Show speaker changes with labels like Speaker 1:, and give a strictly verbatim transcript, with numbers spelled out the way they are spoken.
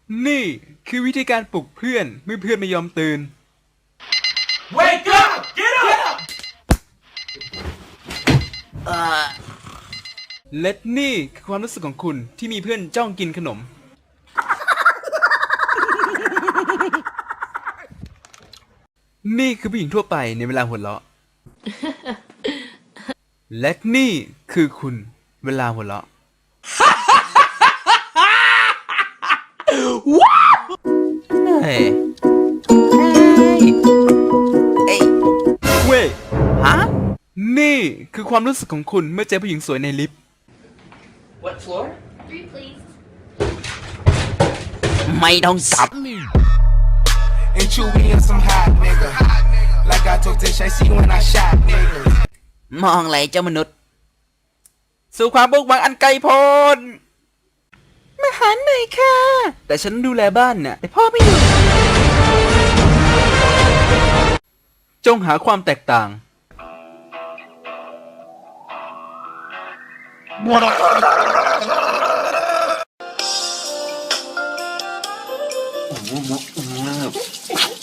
Speaker 1: นี่คือวิธีการปลุกเพื่อนเมื่อเพื่อนไม่ยอมตื่น
Speaker 2: Wake up! Get up!
Speaker 1: และนี่คือความรู้สึกของคุณที่มีเพื่อนจ้องกินขนม นี่คือผู้หญิงทั่วไปในเวลาหัวเราะ และนี่คือคุณเวลาหัวเราะ
Speaker 3: เฮ้ยเอ้ย
Speaker 1: เว้ย
Speaker 3: ฮะ
Speaker 1: นี่คือความรู้สึกของคุณเมื่อเจอผู้หญิงสวยในลิฟต์
Speaker 2: What floor?
Speaker 4: Three, please.
Speaker 3: ไม่ต้องจับ
Speaker 5: And you being some hot nigga. Like I told Tish, I see when I shot nigga.
Speaker 3: มองอะไรเจ้ามนุษย์
Speaker 1: สู่ความบุกบังอันไกลโพ้นมาหาหน่อยค่ะ แต่ฉันดูแลบ้านน่ะแต่พ่อไม่อยู่ จงหาความแตกต่าง
Speaker 3: อืม